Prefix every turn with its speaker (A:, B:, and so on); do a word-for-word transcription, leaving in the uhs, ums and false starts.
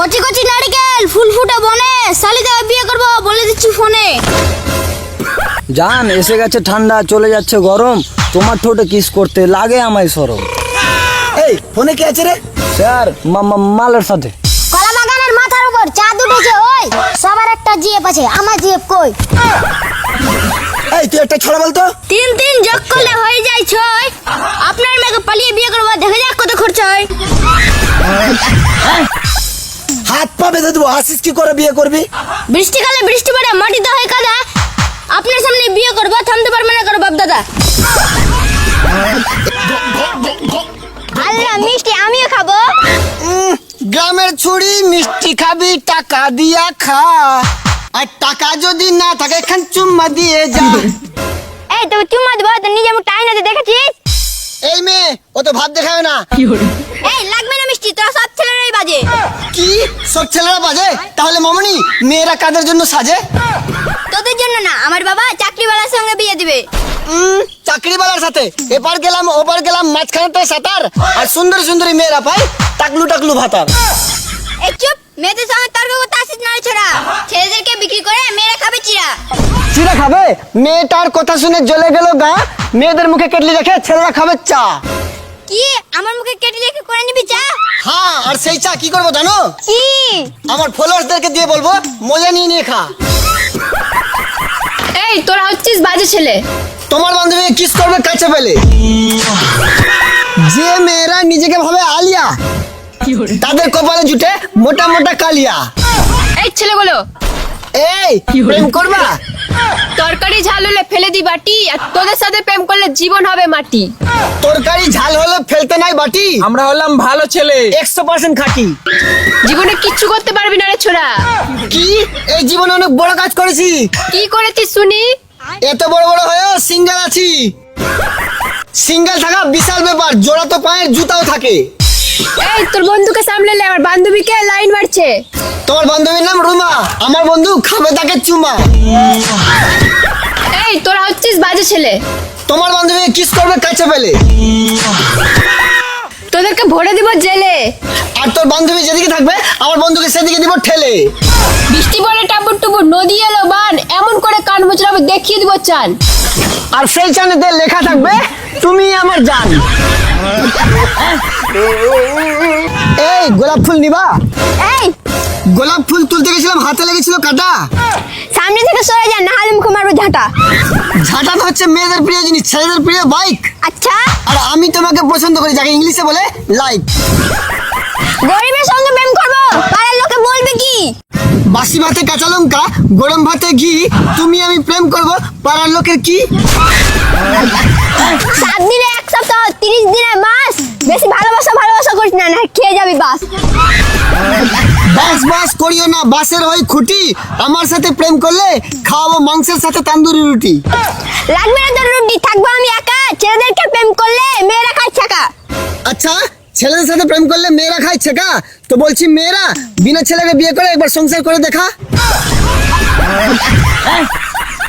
A: কচি কচি নারকেল ফুল ফুটে বনে, শালিকে বিয়ে করবো বলে দিচ্ছি ফোনে।
B: জান এসে গেছে ঠান্ডা, চলে যাচ্ছে গরম, তোমার ঠোঁটে কিস করতে লাগে আমায় শরম।
C: এই ফোনে কি আছে রে?
B: স্যার মালের সাথে।
A: কলা বাগানের মাথার উপর চাঁদ উঠেছে, ওই সবার একটা জিএফ আছে, আমার জিএফ কই?
C: এই তুই একটা ছড়া বলতো।
A: তিন তিন যোগ করলে হয়ে যায় ছয়, আপনার মেয়েকে পালিয়ে বিয়ে করবো, দেখা যাক কত খরচ হয়।
C: হাত পা বেঁধে দেবো, আসিস কি করে বিয়ে করবি?
A: বৃষ্টিকালে বৃষ্টি পড়ে মাটিতে হয় কাদা, আপনার সামনে বিয়ে করবো, থামতে পারবে না করো বাপ দাদা। আল্লাহ মিষ্টি আমিও খাবো।
C: গ্রামের ছুরি মিষ্টি খাবি টাকা দিয়া খা, আর টাকা যদি না থাকে এখান চুম্মা দিয়ে যা।
A: এই তো চুম্মা দেবো তো নিজে মুখ টাইনাতে দেখেছিস?
C: এই মেয়ে ও তো ভাব দেখায় না।
A: এই লাগবে না মিষ্টি, তোরা সব ছেলেরাই বাজে।
C: কি সব ছেলেরা বাজে? তাহলে মামনি মেয়েরা কাদের জন্য সাজে?
A: তোদের জন্য না, আমার বাবা চাকরিওয়ালার সঙ্গে বিয়ে দিবে।
C: উম, চাকরিওয়ালার সাথে এপার গেলাম ওপার গেলাম, মাঝখানে তো সাঁতার, আর সুন্দর সুন্দরী মেয়েরা পাই টাকলু টাকলু ভাতার।
A: এই চুপ, মেয়েদের সঙ্গে তর্ক করতে আসিস না ছোড়া, ছেলেদেরকে বিক্রি করে মেয়েরা খাবে চিরা।
C: চিরা খাবে? মেয়েটার কথা শুনে জ্বলে গেল গা, মেয়েদের মুখে কেটলি রেখে ছেলেরা খাবে চা।
A: কি আমার মুখে কেটে রেখে করে নিবি চা?
C: হ্যাঁ, আর সেই চা কি করবো জানো?
A: কি?
C: আমার ফলোয়ার্সদেরকে দিয়ে বলবো মজা নিয়ে নিয়ে খা।
D: এই তোরা হচ্ছিস বাজে ছেলে।
C: তোমার বান্ধবী কিস করবে কাছে পেলে? যে মেয়েরা নিজেকে ভাবে আলিয়া, তাদের কপালে জুটে মোটা মোটা কালিয়া।
D: এই ছেলেগুলো
C: এই প্রেম করবা?
D: তরকারি ঝাল হলে ফেলে দি বাটি, আর তোদের সাথে প্রেম করলে জীবন হবে মাটি।
C: তরকারি ঝাল হলে ফেলতে নাই বাটি,
B: আমরা হলাম ভালো ছেলে,
C: একশো পার্সেন্ট খাঁটি।
D: জীবনে কিচ্ছু করতে পারবি না রে ছোড়া।
C: কি এই জীবনে অনেক বড় কাজ করেছি?
D: কি করেছিস শুনি?
C: এত বড় বড় হয়েও সিঙ্গেল আছি। সিঙ্গেল থাকা বিশাল ব্যাপার, জোড়া তো পায়ের জুতাও থাকে।
D: এই তোর বন্ধুকে সামলালে, আমার বান্ধবীকে লাইন মারছে।
C: তোমার বান্ধবীর নাম রুমা, আমার বন্ধু খাবে তাকে চুমা।
D: এই তোরা হচ্ছিস বাজে ছেলে।
C: তোমার বান্ধবী কিস করবে কাছে পেলে?
D: তোদেরকে ভরে দিব জেলে।
C: আর তোর বান্ধবী যেদিকে থাকবে আমার বন্ধুকে সেদিকে দিব ঠেলে।
D: বৃষ্টি পড়ে টাপুর টুপুর, নদী এলো বান, এমন করে কান মুচড়াবো দেখিয়ে দিব চান।
C: আর সেই চানেতে লেখা থাকবে তুমি আমার জান। এই গোলাপ ফুল নিবা?
A: এই
C: গোলাপ ফুল তুলতে গেছিলাম, হাতে লেগেছিল কাটা।
A: সামনে থেকে সরে যা, না হলে মুখে মারবো ঝাঁটা।
C: ঝাঁটা তো হচ্ছে মেয়েদের প্রিয় জিনিস, ছেলেদের প্রিয় বাইক।
A: আচ্ছা,
C: আর আমি তোমাকে পছন্দ করি, যাকে ইংলিশে বলে লাইক।
A: গরিবের সঙ্গে প্রেম করবো, পাড়ার লোকে বলবে কি?
C: বাসি ভাতে কাঁচা লঙ্কা, গরম ভাতে ঘি, তুমি আমি প্রেম করব, পাড়ার লোকের কি?
A: সাত দিনে এক সপ্তাহ, তিরিশ দিনে মাস, বেশি ভালোবাসা ভালোবাসা করিস না, না খেয়ে যাবি বাস।
C: বাস বাস করিও না, বাসের ওই খুঁটি, আমার সাথে প্রেম করলে খাওয়াবো মাংসের সাথে তান্দুরি রুটি।
A: লাগবে না তোর রুটি, থাকবো আমি একা, ছেলেদেরকে প্রেম করলে মেয়েরা খায় ছাকা।
C: আচ্ছা, ছেলেদের সাথে প্রেম করলে মেয়েরা খায় ছেকা? তো বলছি মেয়েরা বিনা ছেলেকে বিয়ে করে একবার সংসার করে দেখা।